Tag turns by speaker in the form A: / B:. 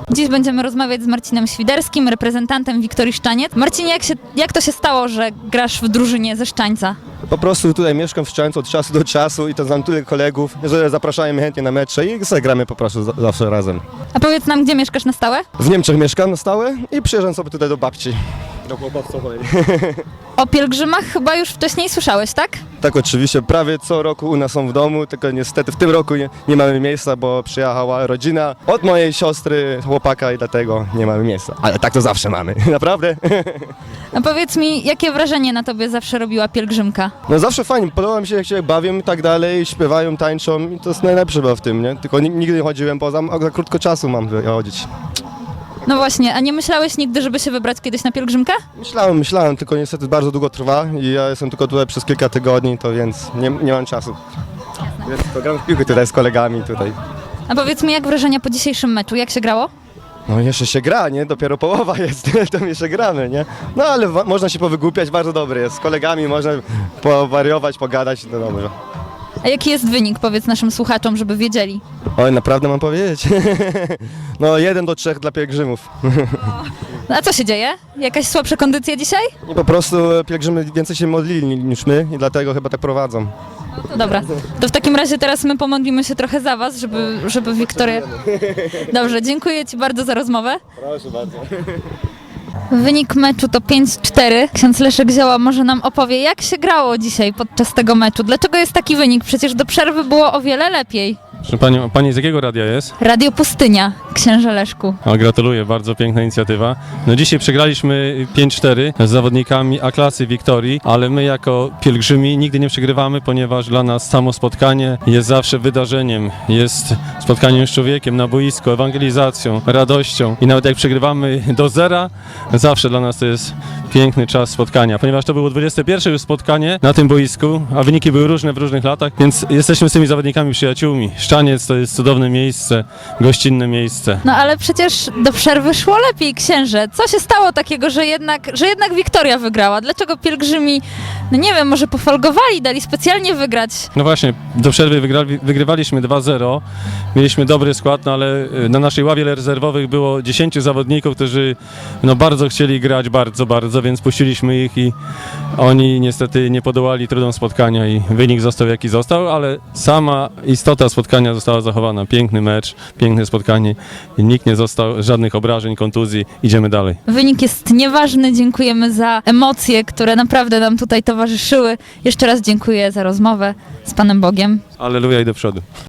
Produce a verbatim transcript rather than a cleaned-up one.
A: Dziś będziemy rozmawiać z Marcinem Świderskim, reprezentantem Wiktorii Szczaniec. Marcinie, jak, się, jak to się stało, że grasz w drużynie ze Szczańca?
B: Po prostu tutaj mieszkam w Szczańcu od czasu do czasu i to znam tyle kolegów, że zapraszają mnie chętnie na mecze i sobie gramy po prostu za- zawsze razem.
A: A powiedz nam, gdzie mieszkasz na stałe?
B: W Niemczech mieszkam na stałe i przyjeżdżam sobie tutaj do babci. Do chłopactwowej.
A: O pielgrzymach chyba już wcześniej słyszałeś, tak?
B: Tak, oczywiście, prawie co roku u nas są w domu, tylko niestety w tym roku nie, nie mamy miejsca, bo przyjechała rodzina od mojej siostry, chłopaka i dlatego nie mamy miejsca. Ale tak to zawsze mamy, naprawdę.
A: A powiedz mi, jakie wrażenie na tobie zawsze robiła pielgrzymka?
B: No zawsze fajnie, podoba mi się jak się bawią i tak dalej, śpiewają, tańczą i to jest najlepsze chyba w tym, nie? Tylko ni- nigdy nie chodziłem poza, a za krótko czasu mam chodzić.
A: No właśnie, a nie myślałeś nigdy, żeby się wybrać kiedyś na pielgrzymkę?
B: Myślałem, myślałem, tylko niestety bardzo długo trwa i ja jestem tylko tutaj przez kilka tygodni, to więc nie, nie mam czasu. Więc to gram w piłkę tutaj z kolegami tutaj.
A: A powiedz mi, jak wrażenia po dzisiejszym meczu? Jak się grało?
B: No jeszcze się gra, nie? Dopiero połowa jest, to jeszcze gramy, nie? No ale wa- można się powygłupiać, bardzo dobry jest. Z kolegami można powariować, pogadać, no dobrze.
A: A jaki jest wynik? Powiedz naszym słuchaczom, żeby wiedzieli.
B: Oj, naprawdę mam powiedzieć? No jeden do trzech dla pielgrzymów.
A: No a co się dzieje? Jakaś słabsza kondycja dzisiaj?
B: I po prostu pielgrzymy więcej się modlili niż my i dlatego chyba tak prowadzą.
A: To dobra. To w takim razie teraz my pomodlimy się trochę za was, żeby, żeby Wiktoria... Dobrze, dziękuję ci bardzo za rozmowę.
B: Proszę bardzo.
A: Wynik meczu to pięć cztery. Ksiądz Leszek Zioła może nam opowie, jak się grało dzisiaj podczas tego meczu. Dlaczego jest taki wynik? Przecież do przerwy było o wiele lepiej.
C: Proszę Pani, pani z jakiego radia jest?
A: Radio Pustynia, księże Leszku.
C: O, gratuluję, bardzo piękna inicjatywa. No dzisiaj przegraliśmy pięć cztery z zawodnikami A-klasy Wiktorii, ale my jako pielgrzymi nigdy nie przegrywamy, ponieważ dla nas samo spotkanie jest zawsze wydarzeniem. Jest spotkaniem z człowiekiem na boisku, ewangelizacją, radością i nawet jak przegrywamy do zera, zawsze dla nas to jest piękny czas spotkania, ponieważ to było dwudzieste pierwsze już spotkanie na tym boisku, a wyniki były różne w różnych latach, więc jesteśmy z tymi zawodnikami przyjaciółmi. Szczaniec to jest cudowne miejsce, gościnne miejsce.
A: No ale przecież do przerwy szło lepiej, księże. Co się stało takiego, że jednak, że jednak Wiktoria wygrała? Dlaczego pielgrzymi, no nie wiem, może pofolgowali, dali specjalnie wygrać?
C: No właśnie, do przerwy wygrali, wygrywaliśmy dwa zero, mieliśmy dobry skład, no ale y, na naszej ławie rezerwowych było dziesięciu zawodników, którzy no bardzo chcieli grać, bardzo, bardzo, więc puściliśmy ich i oni niestety nie podołali trudom spotkania i wynik został jaki został, ale sama istota spotkania została zachowana. Piękny mecz, piękne spotkanie i nikt nie został, żadnych obrażeń, kontuzji, idziemy dalej.
A: Wynik jest nieważny, dziękujemy za emocje, które naprawdę nam tutaj towarzyszyły. Jeszcze raz dziękuję za rozmowę z Panem Bogiem.
C: Alleluja i do przodu.